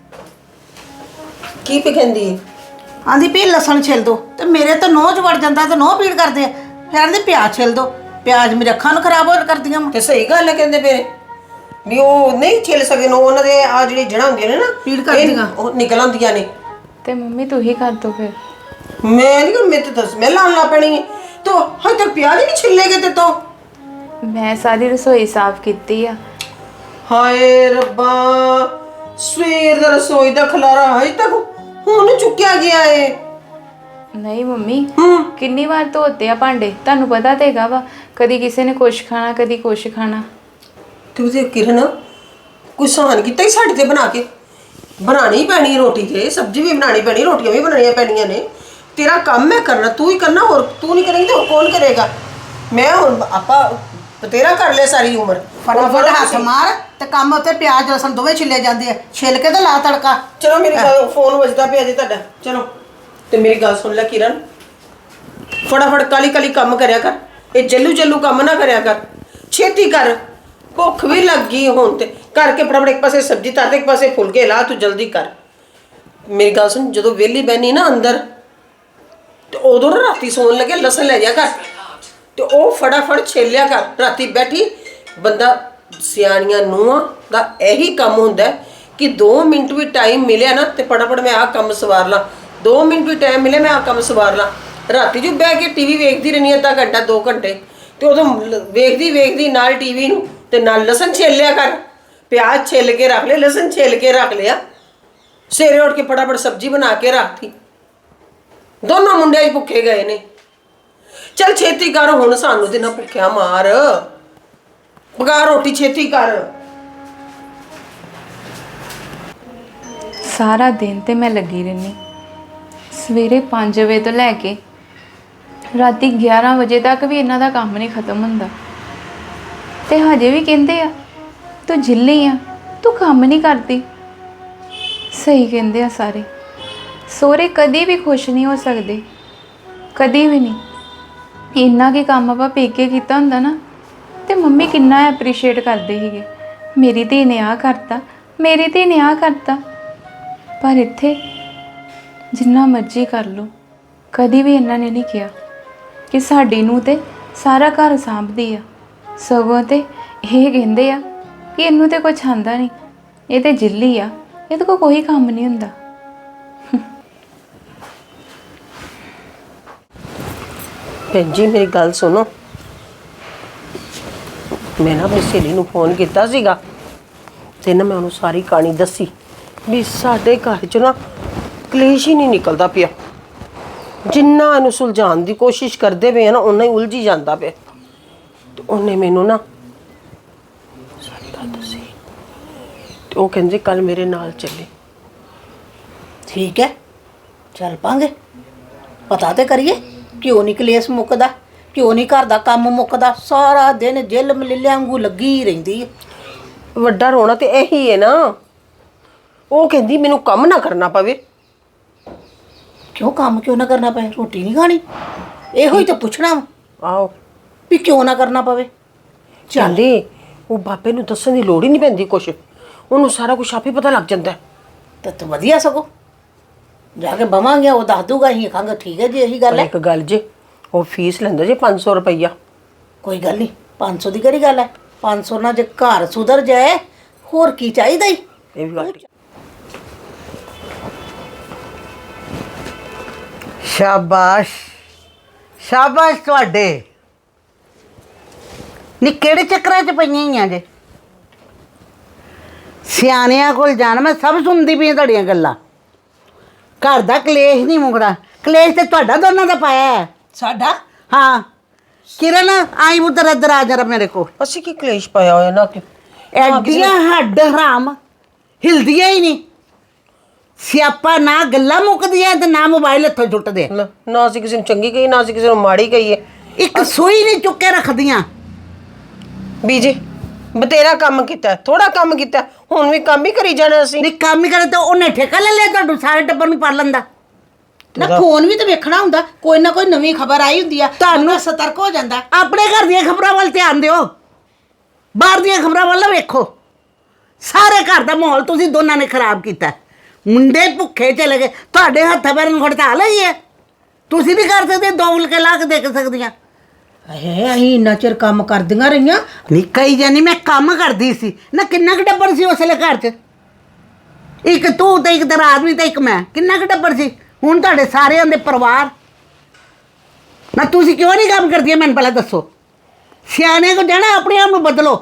ਕੀ ਕਹਿੰਦੀ ਹੈ?
ਆਂਦੀ ਪਈ ਲਸਣ ਛਿਲ ਦੋ, ਤੇ ਮੇਰੇ ਤਾਂ ਨਹੁੰ 'ਚ ਵੜ ਜਾਂਦਾ ਤੇ ਨਹੁੰ ਪੀੜ ਕਰਦੇ ਆ। ਫਿਰ ਆਂਦੀ ਪਿਆਜ਼ ਛਿਲ ਦੋ, ਪਿਆਜ਼ ਮੇਰੇ ਅੱਖਾਂ ਨੂੰ ਖਰਾਬ ਹੋ ਕਰਦੀਆਂ ਵਾ।
ਤੇ ਸਹੀ ਗੱਲ ਹੈ, ਕਹਿੰਦੇ ਪਏ ਵੀ ਉਹ ਨਹੀਂ ਛਿਲ ਸਕਦੇ ਨੂੰ, ਉਹਨਾਂ ਦੇ ਆ ਜਿਹੜੀ ਜੜ੍ਹਾਂ ਹੁੰਦੀਆਂ ਨੇ ਨਾ
ਪੀੜ ਕਰਦੀਆਂ,
ਉਹ ਨਿਕਲ ਆਉਂਦੀਆਂ ਨੇ।
ਤੇ ਮੰਮੀ ਤੂੰ ਹੀ ਕਰ ਦੋ ਫਿਰ।
ਮੈਂ ਨਹੀਂ, ਮੇਰੇ ਤੇ ਤਾਂ ਸਮੈਲ ਆਉਣ ਲੱਗ ਪੈਣੀ ਹੈ। ਤੋ ਹਜੇ ਤੱਕ ਪਿਆਜ਼ ਹੀ ਨਹੀਂ ਛਿੱਲੇਗੇ ਤੇ ਤੋਂ।
ਮੈਂ ਸਾਰੀ ਰਸੋਈ ਸਾਫ਼ ਕੀਤੀ ਆ।
ਹਾਏ ਰੱਬਾ, ਸਵੇਰ ਦਾ ਰਸੋਈ ਦਾ ਖਲਾਰਾ ਹਜੇ ਤੱਕ ਹੁਣ ਚੁੱਕਿਆ ਗਿਆ ਏ।
ਨਹੀਂ ਮੰਮੀ, ਕਿੰਨੀ ਵਾਰ ਧੋਤੇ ਆ ਭਾਂਡੇ, ਤੁਹਾਨੂੰ ਪਤਾ ਤੇ ਹੈਗਾ ਵਾ, ਕਦੀ ਕਿਸੇ ਨੇ ਕੁਛ ਖਾਣਾ ਕਦੀ ਕੁਛ ਖਾਣਾ।
ਤੇ ਉਹਦੇ ਕਿਰਨ ਕੋਈ ਸਹਾਨ ਕੀਤਾ ਹੀ ਸਾਡੇ ਤੇ ਬਣਾ ਕੇ। ਬਣਾਣੀ ਪੈਣੀ ਰੋਟੀ, ਤੇ ਸਬਜ਼ੀ ਵੀ ਬਣਾਣੀ ਪੈਣੀ, ਰੋਟੀਆਂ ਵੀ ਬਣਾਉਣੀਆਂ ਪੈਣੀਆਂ ਨੇ। ਤੇਰਾ ਕੰਮ ਹੈ ਕਰਨਾ, ਤੂੰ ਹੀ ਕਰਨਾ, ਹੋਰ ਤੂੰ ਨਹੀਂ ਕਰੇਂਗੀ ਤਾਂ ਹੋਰ ਕੌਣ ਕਰੇਗਾ। ਮੈਂ ਹੁਣ ਆਪਾਂ ਬਤੇਰਾ ਕਰ ਲਿਆ ਸਾਰੀ ਉਮਰ।
ਫਟਾਫਟ ਹੱਥ ਮਾਰ ਤੇ ਕੰਮ ਉੱਤੇ ਪਿਆਜ਼ ਲਸਣ ਦੋਵੇਂ ਛਿੱਲੇ ਜਾਂਦੇ ਆ, ਛਿੱਲ ਕੇ ਤੇ ਲਾ ਤੜਕਾ।
ਚਲੋ ਮੇਰੀ ਗੱਲ, ਫੋਨ ਵੱਜਦਾ ਪਿਆ ਜੀ ਤੁਹਾਡਾ। ਚਲੋ ਤੇ ਮੇਰੀ ਗੱਲ ਸੁਣ ਲੈ ਕਿਰਨ, ਫਟਾਫਟ ਕਾਲੀ ਕੰਮ ਕਰਿਆ ਕਰ। ਇਹ ਜੱਲੂ ਕੰਮ ਨਾ ਕਰਿਆ ਕਰ, ਛੇਤੀ ਕਰ। ਭੁੱਖ ਵੀ ਲੱਗ ਗਈ ਹੁਣ, ਤੇ ਕਰਕੇ ਫਟਾਫਟ ਇੱਕ ਪਾਸੇ ਸਬਜ਼ੀ ਧਰ, ਇੱਕ ਪਾਸੇ ਫੁਲਕੇ ਲਾ, ਤੂੰ ਜਲਦੀ ਕਰ। ਮੇਰੀ ਗੱਲ ਸੁਣ, ਜਦੋਂ ਵਿਹਲੀ ਬਹਿਨੀ ਨਾ ਅੰਦਰ, ਤੇ ਉਦੋਂ ਨਾ ਰਾਤੀ ਸੌਣ ਲੱਗੇ ਲਸਣ ਲੈ ਜਾ ਕਰ, ਤੇ ਉਹ ਫਟਾਫਟ ਛੇਲਿਆ ਕਰ। ਰਾਤੀ ਬੈਠੀ ਬੰਦਾ, ਸਿਆਣੀਆਂ ਨੂੰਹਾਂ ਦਾ ਇਹੀ ਕੰਮ ਹੁੰਦਾ ਕਿ 2 ਮਿੰਟ ਵੀ ਟਾਈਮ ਮਿਲਿਆ ਨਾ ਤੇ ਫਟਾਫਟ ਮੈਂ ਆਹ ਕੰਮ ਸਵਾਰ ਲਾਂ, 2 ਮਿੰਟ ਵੀ ਟਾਈਮ ਮਿਲਿਆ ਮੈਂ ਆਹ ਕੰਮ ਸਵਾਰ ਲਾਂ। ਰਾਤੀ ਜੋ ਬਹਿ ਕੇ ਟੀਵੀ ਵੇਖਦੀ ਰਹਿੰਦੀ ਅੱਧਾ ਘੰਟਾ 2 ਘੰਟੇ, ਤੇ ਉਦੋਂ ਵੇਖਦੀ ਨਾਲ ਟੀਵੀ ਨੂੰ ਤੇ ਨਾਲ ਲਸਣ ਛਿੱਲ ਲਿਆ ਕਰ। ਪਿਆਜ਼ ਛਿੱਲ ਕੇ ਰੱਖ ਲਿਆ, ਲਸਣ ਛਿੱਲ ਕੇ ਰੱਖ ਲਿਆ, ਸਵੇਰੇ ਉੱਠ ਕੇ ਫਟਾਫਟ ਸਬਜ਼ੀ ਬਣਾ ਕੇ ਰੱਖਤੀ। ਦੋਨੋਂ ਮੁੰਡੇ ਭੁੱਖੇ ਗਏ ਨੇ। ਚੱਲ ਛੇਤੀ ਕਰ ਹੁਣ, ਸਾਨੂੰ ਤੇ ਨਾ ਭੁੱਖਿਆ ਮਾਰ, ਪਕਾ ਰੋਟੀ ਛੇਤੀ ਕਰ।
ਸਾਰਾ ਦਿਨ ਤੇ ਮੈਂ ਲੱਗੀ ਰਹਿੰਦੀ, ਸਵੇਰੇ 5 ਵਜੇ ਤੋਂ ਲੈ ਕੇ ਰਾਤੀ 11 ਵਜੇ ਤੱਕ ਵੀ ਇਹਨਾਂ ਦਾ ਕੰਮ ਨਹੀਂ ਖਤਮ ਹੁੰਦਾ। ਤੇ ਹਜੇ ਵੀ ਕਹਿੰਦੇ ਆ ਤੂੰ ਜਿੱਲੀ ਆ, ਤੂੰ ਕੰਮ ਨਹੀਂ ਕਰਦੀ। ਸਹੀ ਕਹਿੰਦੇ ਆ ਸਾਰੇ, ਸਹੁਰੇ ਕਦੀ ਵੀ ਖੁਸ਼ ਨਹੀਂ ਹੋ ਸਕਦੇ, ਕਦੀ ਵੀ ਨਹੀਂ। ਇੰਨਾ ਕੀ ਕੰਮ ਆਪਾਂ ਪੇਕੇ ਕੀਤਾ ਹੁੰਦਾ ਨਾ, ਤੇ ਮੰਮੀ ਕਿੰਨਾ ਐਪਰੀਸ਼ੀਏਟ ਕਰਦੇ ਸੀਗੇ, ਮੇਰੀ ਧੀ ਨੇ ਆਹ ਕਰਤਾ, ਮੇਰੀ ਧੀ ਨੇ ਆਹ ਕਰਤਾ। ਪਰ ਇੱਥੇ ਜਿੰਨਾ ਮਰਜ਼ੀ ਕਰ ਲਓ, ਕਦੀ ਵੀ ਇਹਨਾਂ ਨੇ ਨਹੀਂ ਕਿਹਾ ਕਿ ਸਾਡੀ ਨੂੰ ਤੇ ਸਾਰਾ ਘਰ ਸਾਂਭਦੀ ਆ। ਸਗੋਂ ਤੇ ਇਹ ਕਹਿੰਦੇ ਆ ਕਿ ਇਹਨੂੰ ਤੇ ਕੁਝ ਆਂਦਾ ਨਹੀਂ, ਇਹ ਤੇ ਜਿੱਲੀ ਆ, ਇਹਦੇ ਕੋਲ ਕੋਈ ਕੰਮ ਨਹੀਂ ਹੁੰਦਾ।
ਭੈਣ ਜੀ ਮੇਰੀ ਗੱਲ ਸੁਣੋ, ਮੈਂ ਨਾ ਆਪਣੀ ਸਹੇਲੀ ਨੂੰ ਫੋਨ ਕੀਤਾ ਸੀਗਾ ਤੇ ਨਾ ਮੈਂ ਉਹਨੂੰ ਸਾਰੀ ਕਹਾਣੀ ਦੱਸੀ ਵੀ ਸਾਡੇ ਘਰ 'ਚ ਨਾ ਕਲੇਸ਼ ਹੀ ਨਹੀਂ ਨਿਕਲਦਾ ਪਿਆ। ਜਿੰਨਾ ਇਹਨੂੰ ਸੁਲਝਾਉਣ ਦੀ ਕੋਸ਼ਿਸ਼ ਕਰਦੇ ਪਏ ਆ ਨਾ, ਓਨਾ ਹੀ ਉਲਝੀ ਜਾਂਦਾ ਪਿਆ। ਤੇ ਉਹਨੇ ਮੈਨੂੰ ਨਾ ਸਾਰੀ ਗੱਲ ਦੱਸੀ ਤੇ ਉਹ ਕਹਿੰਦੇ ਕੱਲ ਮੇਰੇ ਨਾਲ ਚੱਲੇ।
ਠੀਕ ਹੈ, ਚੱਲ ਪਾਂਗੇ। ਪਤਾ ਤੇ ਕਰੀਏ ਕਿਉਂ ਨਹੀਂ ਕਲੇਸ਼ ਮੁੱਕਦਾ, ਕਿਉਂ ਨਹੀਂ ਘਰ ਦਾ ਕੰਮ ਮੁੱਕਦਾ। ਸਾਰਾ ਦਿਨ ਜਿੱਲ ਮਲਿੱਲਿਆਂ ਵਾਂਗੂ ਲੱਗੀ ਹੀ ਰਹਿੰਦੀ ਹੈ।
ਵੱਡਾ ਰੋਣਾ ਤੇ ਇਹੀ ਹੈ ਨਾ। ਉਹ ਕਹਿੰਦੀ ਮੈਨੂੰ ਕੰਮ ਨਾ ਕਰਨਾ ਪਵੇ।
ਕਿਉਂ ਕੰਮ ਕਿਉਂ ਨਾ ਕਰਨਾ ਪਏ? ਰੋਟੀ ਨਹੀਂ ਖਾਣੀ? ਇਹੋ ਹੀ ਤਾਂ ਪੁੱਛਣਾ ਵਾ
ਆਓ
ਵੀ ਕਿਉਂ ਨਾ ਕਰਨਾ ਪਵੇ।
ਚੱਲੇ ਉਹ ਬਾਬੇ ਨੂੰ ਦੱਸਣ ਦੀ ਲੋੜ ਹੀ ਨਹੀਂ ਪੈਂਦੀ ਕੁਛ, ਉਹਨੂੰ ਸਾਰਾ ਕੁਝ ਆਪੇ ਪਤਾ ਲੱਗ ਜਾਂਦਾ।
ਤਾਂ ਵਧੀਆ ਸਗੋਂ ਜਾ ਕੇ ਬਵਾਂਗੇ, ਉਹ ਦੱਸ ਦੂਗਾ। ਅਸੀਂ ਕਹਾਂਗੇ ਠੀਕ ਹੈ ਜੀ, ਇਹੀ ਗੱਲ ਹੈ।
ਇੱਕ ਗੱਲ ਜੇ, ਉਹ ਫੀਸ ਲੈਂਦਾ ਜੇ 500 ਰੁਪਈਆ।
ਕੋਈ ਗੱਲ ਨਹੀਂ, 500 ਦੀ ਕਿਹੜੀ ਗੱਲ ਹੈ? 500 ਨਾਲ ਜੇ ਘਰ ਸੁਧਰ ਜਾਏ ਹੋਰ ਕੀ ਚਾਹੀਦਾ ਹੀ।
ਇਹ ਵੀ ਗੱਲ
ਸ਼ਾਬਾਸ਼ ਸ਼ਾਬਾਸ਼ ਤੁਹਾਡੇ। ਨੀ ਕਿਹੜੇ ਚੱਕਰਾਂ 'ਚ ਪਈਆਂ ਹੀ ਆ ਜੇ? ਸਿਆਣਿਆਂ ਕੋਲ ਜਾਣ, ਮੈਂ ਸਭ ਸੁਣਦੀ ਪਈ ਤੁਹਾਡੀਆਂ ਗੱਲਾਂ। ਘਰ ਦਾ ਕਲੇਸ਼ ਨਹੀਂ ਮੁਕਦਾ। ਕਲੇਸ਼ ਤੇ ਤੁਹਾਡਾ ਦੋਨਾਂ ਦਾ ਪਾਇਆ ਹੈ।
ਸਾਡਾ?
ਹਾਂ ਕਿਰਨ, ਆਈ ਪੁੱਤਰ ਇੱਧਰ ਆ ਜਰਾ ਮੇਰੇ ਕੋਲ।
ਅਸੀਂ ਕੀ ਕਲੇਸ਼ ਪਾਇਆ ਹੋਇਆ ਨਾ ਕਿ
ਐਡੀਆਂ ਹੱਡ ਹਰਾਮ ਹਿਲਦੀਆਂ ਹੀ ਨਹੀਂ। ਸਿਆਪਾ ਨਾ ਗੱਲਾਂ ਮੁੱਕਦੀਆਂ ਤੇ ਨਾ ਮੋਬਾਈਲ ਹੱਥੋਂ ਛੁੱਟਦੇ।
ਨਾ ਅਸੀਂ ਕਿਸੇ ਨੂੰ ਚੰਗੀ ਕਹੀ, ਨਾ ਅਸੀਂ ਕਿਸੇ ਨੂੰ ਮਾੜੀ ਕਹੀਏ।
ਇੱਕ ਸੂਈ ਨਹੀਂ ਚੁੱਕ ਕੇ ਰੱਖਦੀਆਂ।
ਬੀਜੀ ਬਤੇਰਾ ਕੰਮ ਕੀਤਾ, ਥੋੜਾ ਕੰਮ ਕੀਤਾ, ਹੁਣ ਵੀ ਕੰਮ ਹੀ ਕਰੀ ਜਾਣਾ ਅਸੀਂ।
ਨਹੀਂ ਕੰਮ ਹੀ ਕਰੇ ਤਾਂ ਉਹਨੇ ਠੇਕਾ ਲੈ ਲਿਆ ਤੁਹਾਨੂੰ ਸਾਰੇ ਟੱਬਰ ਨੂੰ ਪਾਲ ਲੈਂਦਾ।
ਨਾ ਫੋਨ ਵੀ ਤਾਂ ਵੇਖਣਾ ਹੁੰਦਾ, ਕੋਈ ਨਾ ਕੋਈ ਨਵੀਂ ਖਬਰ ਆਈ ਹੁੰਦੀ ਆ, ਤੁਹਾਨੂੰ ਸਤਰਕ ਹੋ ਜਾਂਦਾ।
ਆਪਣੇ ਘਰ ਦੀਆਂ ਖਬਰਾਂ ਵੱਲ ਧਿਆਨ ਦਿਓ, ਬਾਹਰ ਦੀਆਂ ਖਬਰਾਂ ਵੱਲ ਨਾ ਵੇਖੋ। ਸਾਰੇ ਘਰ ਦਾ ਮਾਹੌਲ ਤੁਸੀਂ ਦੋਨਾਂ ਨੇ ਖਰਾਬ ਕੀਤਾ। ਮੁੰਡੇ ਭੁੱਖੇ ਚਲੇ ਗਏ, ਤੁਹਾਡੇ ਹੱਥਾਂ ਪੈਰਾਂ ਨੂੰ ਹੜਤਾਲ ਹੋਈ ਹੈ। ਤੁਸੀਂ ਵੀ ਕਰ ਸਕਦੇ, ਦੋ ਉਲਕੇ ਲਾ ਕੇ ਦੇਖ ਸਕਦੀਆਂ।
ਅਸੀਂ ਇੰਨਾ ਚਿਰ ਕੰਮ ਕਰਦੀਆਂ ਰਹੀਆਂ।
ਨਹੀਂ ਕਹੀ ਜਾਨੀ ਮੈਂ ਕੰਮ ਕਰਦੀ ਸੀ ਨਾ। ਕਿੰਨਾ ਕੁ ਟੱਬਰ ਸੀ ਉਸ ਵੇਲੇ ਘਰ 'ਚ? ਇੱਕ ਤੂੰ ਤੇ ਇੱਕ ਤੇਰਾ ਆਦਮੀ ਤੇ ਇੱਕ ਮੈਂ, ਕਿੰਨਾ ਕੁ ਟੱਬਰ ਸੀ? ਹੁਣ ਤੁਹਾਡੇ ਸਾਰਿਆਂ ਦੇ ਪਰਿਵਾਰ ਨਾ। ਤੁਸੀਂ ਕਿਉਂ ਨਹੀਂ ਕੰਮ ਕਰਦੀਆਂ ਮੈਨੂੰ ਪਹਿਲਾਂ ਦੱਸੋ। ਸਿਆਣੇ ਕੋ ਜਾਣਾ, ਆਪਣੇ ਆਪ ਨੂੰ ਬਦਲੋ।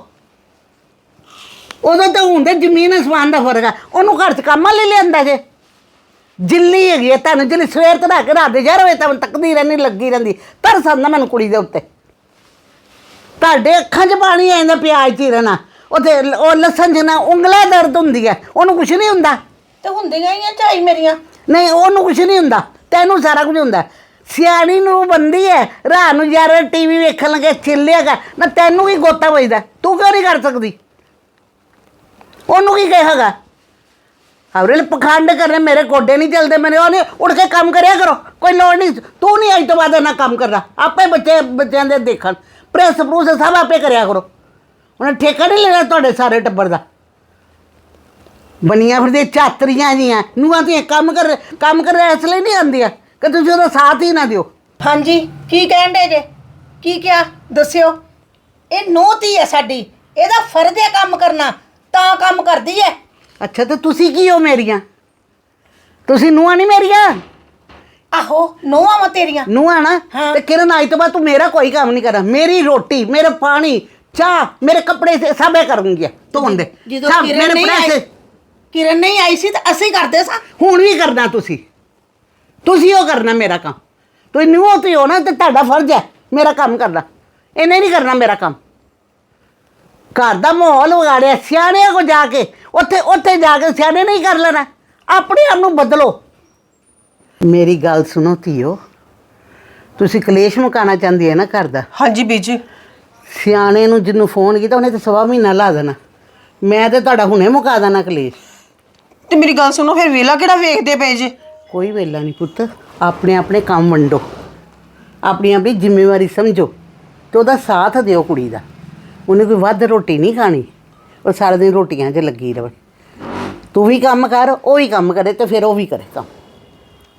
ਉਦੋਂ ਤਾਂ ਹੁੰਦੇ ਜ਼ਮੀਨ ਅਸਮਾਨ ਦਾ ਫਰਕ ਆ। ਉਹਨੂੰ ਘਰ 'ਚ ਕੰਮ ਲੈ ਲਿਆਂਦਾ ਜੇ। ਜਿੱਲੀ ਹੈਗੀ ਹੈ ਤੁਹਾਨੂੰ, ਜਿੱਲੀ ਸਵੇਰ ਤੋਂ ਲੈ ਕੇ ਰਾਤ ਦੇ 11 ਵਜੇ ਤੱਕ ਤੱਕਦੀ ਰਹਿੰਦੀ, ਲੱਗੀ ਰਹਿੰਦੀ। ਤਰਸ ਆਉਂਦਾ ਮੈਨੂੰ ਕੁੜੀ ਦੇ ਉੱਤੇ। ਤੁਹਾਡੇ ਅੱਖਾਂ 'ਚ ਪਾਣੀ ਆ ਜਾਂਦਾ ਪਿਆਜ਼ ਚੀਰਨਾ। ਉੱਥੇ ਉਹ ਲਸਣ ਜਿਹਾ ਉਂਗਲਾਂ ਦਰਦ ਹੁੰਦੀ ਹੈ, ਉਹਨੂੰ ਕੁਛ ਨਹੀਂ ਹੁੰਦਾ।
ਤੇ ਹੁੰਦੀਆਂ ਹੀ ਆ ਝਾਈ ਮੇਰੀਆਂ।
ਨਹੀਂ ਉਹਨੂੰ ਕੁਛ ਨਹੀਂ ਹੁੰਦਾ, ਤੈਨੂੰ ਸਾਰਾ ਕੁਝ ਹੁੰਦਾ। ਸਿਆਣੀ ਨੂੰ ਬੰਦੀ ਹੈ, ਰਾਤ ਨੂੰ ਯਾਰ ਟੀਵੀ ਵੇਖਣ ਲੱਗੇ ਚਿੱਲਿਆਗਾ ਨਾ, ਤੈਨੂੰ ਕੀ ਗੋਤਾ ਵੱਜਦਾ? ਤੂੰ ਕਿਉਂ ਨਹੀਂ ਕਰ ਸਕਦੀ? ਉਹਨੂੰ ਕੀ ਕਹੇਗਾ? ਹਵਰੇ ਪਖੰਡ ਕਰਨੇ, ਮੇਰੇ ਗੋਡੇ ਨਹੀਂ ਚੱਲਦੇ, ਮੇਰੇ ਉਹ ਨਹੀਂ। ਉੱਠ ਕੇ ਕੰਮ ਕਰਿਆ ਕਰੋ, ਕੋਈ ਲੋੜ ਨਹੀਂ। ਤੂੰ ਨਹੀਂ ਅੱਜ ਤੋਂ ਬਾਅਦ ਨਾ ਕੰਮ ਕਰਨਾ, ਆਪੇ ਬੱਚਿਆਂ ਦੇ ਦੇਖਣ। ਪ੍ਰੈਸ ਪ੍ਰੂਸ ਸਭ ਆਪੇ ਕਰਿਆ ਕਰੋ। ਉਹਨੇ ਠੇਕਾ ਨਹੀਂ ਲੈਣਾ ਤੁਹਾਡੇ ਸਾਰੇ ਟੱਬਰ ਦਾ। ਬਣੀਆਂ ਫਿਰਦੇ ਚਾਤਰੀਆਂ ਜੀਆਂ ਨੂੰਹਾਂ ਧੀਆਂ ਕੰਮ ਕਰ ਇਸ ਲਈ ਨਹੀਂ ਆਉਂਦੀਆਂ ਕਿ ਤੁਸੀਂ ਉਹਦਾ ਸਾਥ ਹੀ ਨਾ ਦਿਓ।
ਹਾਂਜੀ ਕੀ ਕਹਿਣ ਦੇ ਜੇ? ਕੀ ਕਿਹਾ ਦੱਸਿਓ? ਇਹ ਨੂੰਹ ਧੀ ਹੈ ਸਾਡੀ, ਇਹਦਾ ਫਰਜ਼ ਹੈ ਕੰਮ ਕਰਨਾ, ਤਾਂ ਕੰਮ ਕਰਦੀ ਹੈ।
ਅੱਛਾ ਤੇ ਤੁਸੀਂ ਕੀ ਹੋ ਮੇਰੀਆਂ? ਤੁਸੀਂ ਨੂੰਹਾਂ ਨਹੀਂ ਮੇਰੀਆਂ?
ਆਹੋ ਨੂੰਹਾਂ ਵਾ ਤੇਰੀਆਂ।
ਨੂੰਹਾਂ ਨਾ।
ਹਾਂ।
ਤੇ ਕਿਰਨ ਅੱਜ ਤੋਂ ਬਾਅਦ ਤੂੰ ਮੇਰਾ ਕੋਈ ਕੰਮ ਨਹੀਂ ਕਰਨਾ। ਮੇਰੀ ਰੋਟੀ, ਮੇਰੇ ਪਾਣੀ, ਚਾਹ, ਮੇਰੇ ਕੱਪੜੇ ਸਭ ਇਹ ਕਰੂੰਗੀਆਂ ਧੋਣ ਦੇ।
ਜਦੋਂ
ਸਭ
ਕਿਰਨ
ਮੇਰੇ
ਨਹੀਂ
ਪ੍ਰੈਸ।
ਆਈ, ਕਿਰਨ ਨਹੀਂ ਆਈ ਸੀ ਤਾਂ ਅਸੀਂ ਕਰਦੇ ਸਾਂ।
ਹੁਣ ਵੀ ਕਰਨਾ ਤੁਸੀਂ ਉਹ ਕਰਨਾ ਮੇਰਾ ਕੰਮ। ਤੁਸੀਂ ਨੂੰਹ ਤੇ ਹੋ ਨਾ, ਤੇ ਤੁਹਾਡਾ ਫਰਜ਼ ਹੈ ਮੇਰਾ ਕੰਮ ਕਰਨਾ। ਇਹਨੇ ਨਹੀਂ ਕਰਨਾ ਮੇਰਾ ਕੰਮ। ਘਰ ਦਾ ਮਾਹੌਲ ਵਿਗਾੜਿਆ ਸਿਆਣਿਆਂ ਕੋ ਜਾ ਕੇ, ਉੱਥੇ ਜਾ ਕੇ ਸਿਆਣੇ ਨਹੀਂ ਕਰ ਲੈਣਾ। ਆਪਣੇ ਆਪ ਨੂੰ ਬਦਲੋ। ਮੇਰੀ ਗੱਲ ਸੁਣੋ ਧੀਓ, ਤੁਸੀਂ ਕਲੇਸ਼ ਮੁਕਾਉਣਾ ਚਾਹੁੰਦੀ ਹੈ ਨਾ ਘਰ ਦਾ?
ਹਾਂਜੀ ਬੀਜੀ।
ਸਿਆਣੇ ਨੂੰ ਜਿਹਨੂੰ ਫੋਨ ਕੀਤਾ ਉਹਨੇ ਤਾਂ ਸਵਾ ਮਹੀਨਾ ਲਾ ਦੇਣਾ। ਮੈਂ ਤੇ ਤੁਹਾਡਾ ਹੁਣੇ ਮੁਕਾ ਦੇਣਾ ਕਲੇਸ਼।
ਤੇ ਮੇਰੀ ਗੱਲ ਸੁਣੋ, ਫਿਰ ਵੇਲਾ ਕਿਹੜਾ ਵੇਖਦੇ ਪਏ ਜੇ?
ਕੋਈ ਵੇਲਾ ਨਹੀਂ ਪੁੱਤ, ਆਪਣੇ ਆਪਣੇ ਕੰਮ ਵੰਡੋ, ਆਪਣੀ ਆਪਣੀ ਜ਼ਿੰਮੇਵਾਰੀ ਸਮਝੋ ਤੇ ਉਹਦਾ ਸਾਥ ਦਿਓ ਕੁੜੀ ਦਾ। ਉਹਨੇ ਕੋਈ ਵੱਧ ਰੋਟੀ ਨਹੀਂ ਖਾਣੀ, ਉਹ ਸਾਰਾ ਦਿਨ ਰੋਟੀਆਂ 'ਚ ਲੱਗੀ ਰਵੇ। ਤੂੰ ਵੀ ਕੰਮ ਕਰ, ਉਹ ਵੀ ਕੰਮ ਕਰੇ, ਤੇ ਫਿਰ ਉਹ ਵੀ ਕਰੇ ਕੰਮ।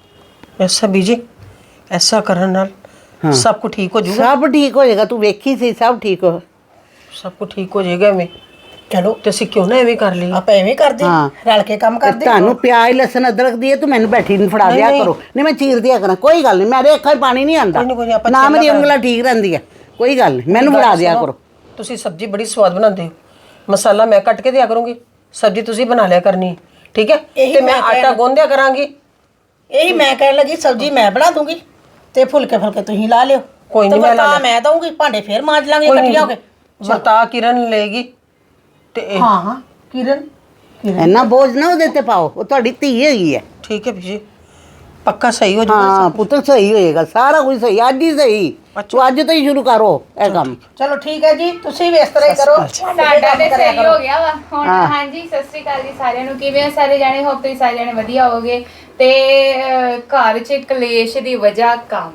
ਐਸਾ ਬੀਜੀ ਐਸਾ ਕਰਨ ਨਾਲ ਸਭ ਕੁਝ ਠੀਕ ਹੋ ਜਾਊਗਾ।
ਸਭ ਠੀਕ ਹੋ ਜਾਏਗਾ, ਤੂੰ ਵੇਖੀ ਸੀ ਸਭ ਠੀਕ ਹੋ।
ਸਭ ਕੁਝ ਠੀਕ ਹੋ ਜਾਏਗਾ ਐਵੇਂ। ਚਲੋ ਤੇ ਅਸੀਂ ਕਿਉਂ ਨਾ ਐਵੇਂ ਕਰ ਲਈਏ।
ਆਪਾਂ ਐਵੇਂ ਕਰਦੇ
ਹਾਂ।
ਰਲ ਕੇ ਕੰਮ ਕਰਦੇ
ਤੁਹਾਨੂੰ ਪਿਆਜ਼ ਲਸਣ ਅਦਰਕ ਦੀ ਤੂੰ ਮੈਨੂੰ ਬੈਠੀ ਨੂੰ ਫੜਾ ਦਿਆ ਕਰੋ, ਨਹੀਂ ਮੈਂ ਚੀਰ ਦਿਆ ਕਰਾਂ, ਕੋਈ ਗੱਲ ਨਹੀਂ, ਮੇਰੇ ਅੱਖਾਂ 'ਚ ਪਾਣੀ ਨਹੀਂ ਆਉਂਦਾ,
ਕੋਈ ਨਹੀਂ, ਆਪਾਂ
ਨਾ
ਛਿੱਲਾ
ਮੇਰੀ ਉਂਗਲਾਂ ਠੀਕ ਰਹਿੰਦੀ ਹੈ, ਕੋਈ ਗੱਲ ਨਹੀਂ, ਮੈਨੂੰ ਫੜਾ ਦਿਆ ਕਰੋ।
ਤੁਸੀਂ ਸਬਜ਼ੀ ਬੜੀ ਸਵਾਦ ਬਣਾਉਂਦੇ ਹੋ, ਮਸਾਲਾ ਮੈਂ ਕੱਟ ਕੇ ਦਿਆ ਕਰੂੰਗੀ, ਸਬਜ਼ੀ ਤੁਸੀਂ ਬਣਾ ਲਿਆ ਕਰਨੀ ਹੈ, ਠੀਕ ਹੈ? ਤੇ ਮੈਂ ਆਟਾ ਗੁੰਨ ਦਿਆ ਕਰਾਂਗੀ।
ਇਹੀ ਮੈਂ ਕਹਿਣ ਲੱਗੀ ਸਬਜ਼ੀ ਮੈਂ ਬਣਾ ਦੂੰਗੀ ਤੇ ਫੁਲਕੇ ਤੁਸੀਂ ਲਾ ਲਿਓ।
ਕੋਈ ਨਹੀਂ, ਮੈਂ ਲਾ
ਵਰਤਾ ਮੈਂ ਦਊਂਗੀ, ਭਾਂਡੇ ਫੇਰ ਮਾਂਜ ਲਾਂਗੇ ਇਕੱਠੀਆਂ ਹੋ ਕੇ।
ਵਰਤਾ ਕਿਰਨ ਲਏਗੀ ਤੇ
ਹਾਂ ਕਿਰਨ
ਇੰਨਾ ਬੋਝ ਨਾ ਉਹਦੇ ਤੇ ਪਾਓ, ਉਹ ਤੁਹਾਡੀ ਧੀ ਹੈਗੀ ਹੈ।
ਠੀਕ ਹੈ ਬੀਜੀ, ਪੱਕਾ ਸਹੀ ਹੋ ਜਾਊਗਾ।
ਹਾਂ ਪੁੱਤਰ ਸਹੀ ਹੋਏਗਾ, ਸਾਰਾ ਕੁਝ ਸਹੀ, ਅੱਜ ਹੀ ਸਹੀ, ਤੂੰ ਅੱਜ ਤੋਂ ਹੀ ਸ਼ੁਰੂ ਕਰੋ ਇਹ ਕੰਮ।
ਚਲੋ ਠੀਕ ਹੈ ਜੀ, ਤੁਸੀਂ ਵੀ ਇਸ ਤਰ੍ਹਾਂ ਹੀ ਕਰੋ।
ਸਾਡਾ ਤੇ ਸਹੀ ਹੋ ਗਿਆ ਵਾ ਹੁਣ। ਹਾਂਜੀ, ਸਤਿ ਸ੍ਰੀ ਅਕਾਲ ਜੀ ਸਾਰਿਆਂ ਨੂੰ। ਕਿਵੇਂ ਹੋ ਸਾਰੇ ਜਾਣੇ? ਹੋਪ ਤੁਸੀਂ ਸਾਰੇ ਜਾਣੇ ਵਧੀਆ ਹੋਵੋਗੇ। ਤੇ ਘਰ 'ਚ ਕਲੇਸ਼ ਦੀ ਵਜ੍ਹਾ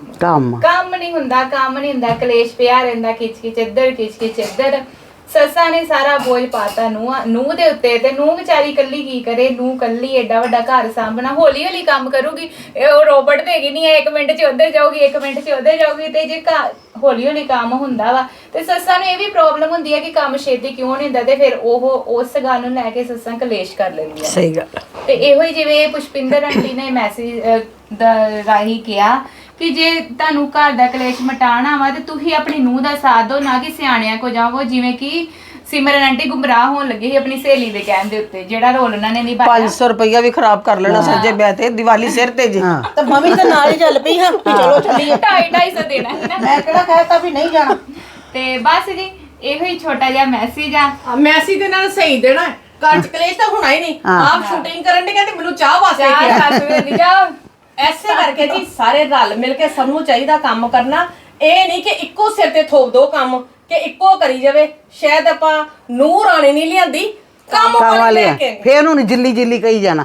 ਕੰਮ ਨਹੀਂ ਹੁੰਦਾ, ਕਲੇਸ਼ ਪਿਆ ਰਹਿੰਦਾ, ਖਿੱਚ ਇੱਧਰ ਖਿੱਚ ਇੱਧਰ। ਸੱਸਾਂ ਨੇ ਸਾਰਾ ਬੋਝ ਪਾਤਾ ਨੂੰਹ ਦੇ ਉੱਤੇ, ਤੇ ਨੂੰਹ ਵਿਚਾਰੀ ਕੱਲੀ ਕੀ ਕਰੇ? ਨੂੰਹ ਕੱਲੀ ਏਡਾ ਵੱਡਾ ਘਰ ਸਾਂਭਣਾ, ਹੌਲੀ ਹੌਲੀ ਕੰਮ ਕਰੂਗੀ। ਉਹ ਰੋਬਟ ਤੇ ਹੈਗੀ ਨਹੀਂ ਹੈ, 1 ਮਿੰਟ 'ਚ ਉੱਧਰ ਜਾਊਗੀ, 1 ਮਿੰਟ 'ਚ ਉੱਧਰ ਜਾਊਗੀ। ਤੇ ਜੇ ਹੌਲੀ ਹੌਲੀ ਕੰਮ ਹੁੰਦਾ ਵਾ, ਤੇ ਸੱਸਾਂ ਨੂੰ ਇਹ ਵੀ ਪ੍ਰੋਬਲਮ ਹੁੰਦੀ ਹੈ ਕਿ ਕੰਮ ਛੇਤੀ ਕਿਉਂ ਨਹੀਂ ਹੁੰਦਾ, ਤੇ ਫਿਰ ਉਹ ਉਸ ਗੱਲ ਨੂੰ ਲੈ ਕੇ ਸੱਸਾਂ ਕਲੇਸ਼ ਕਰ ਲੈਂਦੀਆਂ।
ਸਹੀ ਗੱਲ।
ਤੇ ਇਹੋ ਹੀ ਜਿਵੇਂ ਪੁਸ਼ਪਿੰਦਰ ਆਂਟੀ ਨੇ ਮੈਸੇਜ ਦਾ ਰਾਹੀਂ ਕਿਹਾ ਕਿ ਜੇ ਤੁਹਾਨੂੰ ਘਰ ਦਾ ਕਲੇਸ਼ ਮਟਾਉਣਾ ਵਾ ਤੇ ਤੁਸੀਂ ਆਪਣੀ ਨੂੰਹ ਦਾ ਸਾਥ ਦਿਓ, ਨਾ ਕਿ ਸਿਆਣਿਆਂ ਕੋ ਜਾਵੋ। ਜਿਵੇਂ ਕਿ ਸਿਮਰਨ ਆਂਟੀ ਗੁੰਮਰਾਹ ਹੋਣ ਲੱਗੀ ਸੀ ਆਪਣੀ ਸਹੇਲੀ ਦੇ ਕਹਿਣ ਦੇ ਉੱਤੇ, ਜਿਹੜਾ ਰੋਲ ਉਹਨਾਂ ਨੇ ਨਿਭਾਇਆ।
500 ਰੁਪਇਆ ਵੀ ਖਰਾਬ ਕਰ ਲੈਣਾ ਸੱਜੇ ਵਿਆਹ ਤੇ, ਦੀਵਾਲੀ ਸਿਰ ਤੇ ਜੀ।
ਤੇ ਮੰਮੀ ਤਾਂ ਨਾਲ ਹੀ ਚੱਲ ਪਈ ਹਾਂ ਵੀ ਚਲੋ ਚੱਲੀਏ।
250 ਦੇਣਾ ਹੈ ਨਾ।
ਮੈਂ ਕਿਹੜਾ ਕਹਿਤਾ ਵੀ ਨਹੀਂ ਜਾਣਾ।
ਤੇ ਬਸ ਜੀ ਇਹੋ ਹੀ ਛੋਟਾ ਜਿਹਾ ਮੈਸੇਜ ਆ।
ਮੈਸੀ ਦੇ ਨਾਲ ਸਹੀ ਦੇਣਾ ਹੈ। ਘਰ ਚ ਕਲੇਸ਼ ਤਾਂ ਹੋਣਾ ਹੀ ਨਹੀਂ। ਆਪ ਸ਼ੂਟਿੰਗ ਕਰਨ ਦੇ ਕਹਿੰਦੇ ਮੈਨੂੰ ਚਾਹ ਵਾਸਤੇ ਕਿਹਾ।
ਸੱਸ ਵੇਲੀ ਜਾ।
ਐਸੇ ਕਰਕੇ ਜੀ ਸਾਰੇ ਰਲ ਮਿਲ ਕੇ ਸਭ ਨੂੰ ਚਾਹੀਦਾ ਕੰਮ ਕਰਨਾ। ਇਹ ਨਹੀਂ ਕਿ ਇੱਕੋ ਸਿਰ ਤੇ ਥੋਪ ਦੋ ਕੰਮ ਕਿ ਇੱਕੋ ਕਰੀ ਜਾਵੇ। ਸ਼ਾਇਦ ਆਪਾਂ ਨੂੰਹ ਰਾਣੀ ਨਹੀਂ ਲਿਆਂਦੀ, ਕੰਮ ਵਾਲੇ ਲੈ ਕੇ
ਫੇਰ ਉਹਨੂੰ ਜਿੱਲੀ ਕਹੀ ਜਾਣਾ,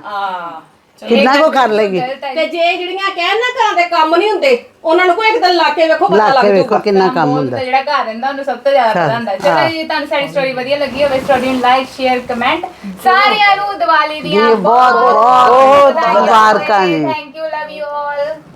ਕਿੰਨਾ ਕੋ ਕਰ ਲੇਗੀ।
ਤੇ ਜੇ ਜਿਹੜੀਆਂ ਕਹਿਣ ਨਾ ਘਰਾਂ ਦੇ ਕੰਮ ਨਹੀਂ ਹੁੰਦੇ, ਉਹਨਾਂ ਨੂੰ ਕੋਈ ਇੱਕ ਦਿਨ ਲਾ ਕੇ ਵੇਖੋ, ਪਤਾ ਲੱਗ
ਵੇਖੋ
ਜਾਊਗਾ
ਕਿੰਨਾ ਕੰਮ ਹੁੰਦਾ।
ਜਿਹੜਾ ਘਰ ਰਹਿੰਦਾ ਉਹਨੂੰ ਸਭ ਤੋਂ ਜ਼ਿਆਦਾ ਪਤਾ ਹੁੰਦਾ। ਚਲੋ ਜੀ, ਤੁਹਾਨੂੰ ਸਾਡੀ ਸਟੋਰੀ ਵਧੀਆ ਲੱਗੀ ਹੋਵੇ, ਸਟੋਰੀ ਨੂੰ ਲਾਈਕ ਸ਼ੇਅਰ ਕਮੈਂਟ। ਸਾਰਿਆਂ ਨੂੰ ਦੀਵਾਲੀ ਦੀਆਂ
ਬਹੁਤ ਮੁਬਾਰਕਾਂ।
Thank you, love you all.